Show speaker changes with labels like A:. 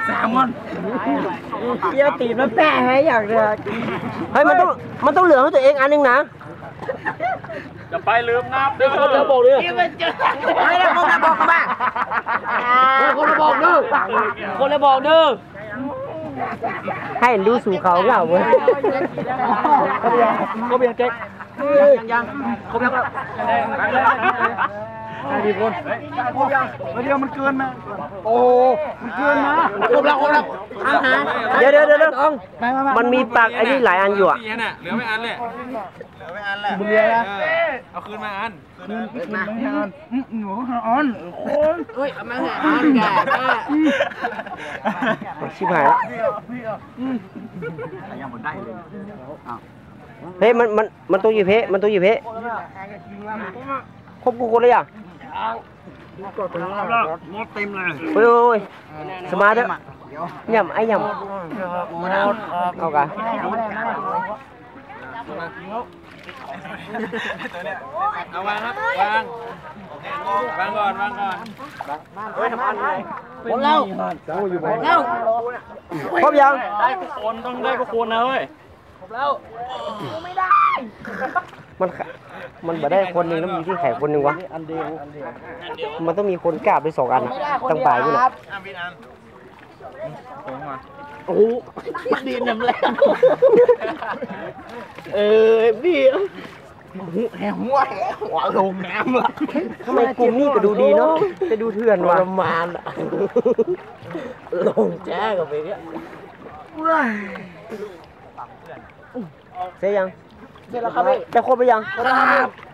A: แซลมอนเยี่ยวตีมันแปะให้อยากเลย
B: เฮ้ยมันต้องเหลือให้ตัวเองอันนึงนะ
C: จะไปลืมน้ำเด้อ
B: คนละบอกเลย
A: ไม่ได้คนละบอกมาคนละบอกเด้อ
B: คนละบอกเด้อให้ดูสู่เขาเหงาเว้ย
A: เขาเบียร์เจ๊กยังเขาเบียร์ดีคนเดียวมันเกินมาโอ้มันเกินมาครบแล้ว
B: เดี๋ยวมันมีปากไอ้นี่หลายอันอยู่อ่ะ
C: เหลือไม่อันเลย
A: บุญเรียนะ
C: เอาคืนมาอัน
A: มาหนูอ่อนคนเฮ้ยมาหาอ่อนแก่
B: ชิบหายแล้ว
A: ยังหมดได้เลย
B: เฮ้ยมันตัวอยู่เพมันตัวอยู่เพครบกูคนเลยอ่ะ
A: หมดเต็มเลย
B: โอ้ยสมาร์ทย่ำไอ้ย่ำเอากะ
C: เอาวางครับวางก่อนเฮ้ยทำอะไร
A: หมดแล้วแล้ว
B: ครบยัง
C: ได้กุคนต้องได้กุคนนะเว้ย
B: มันบ่ได้คนหนึ่งแล้วมีที่ไข่คนหนึ่งวะมันต้องมีคนกราบไป2 อันตั้งป่ายด้วยนะโอ้โหดีน้ำแรงพี่หัวลงน้ำละทำไมกลุ่มนี้ก็ดูดีเนาะจะดูเถื่อนว่ะประมาณลงแจ้กับไปเนี่ยเสร็จยังเสร็จแล้วครับพี่จะครบไปยังครับ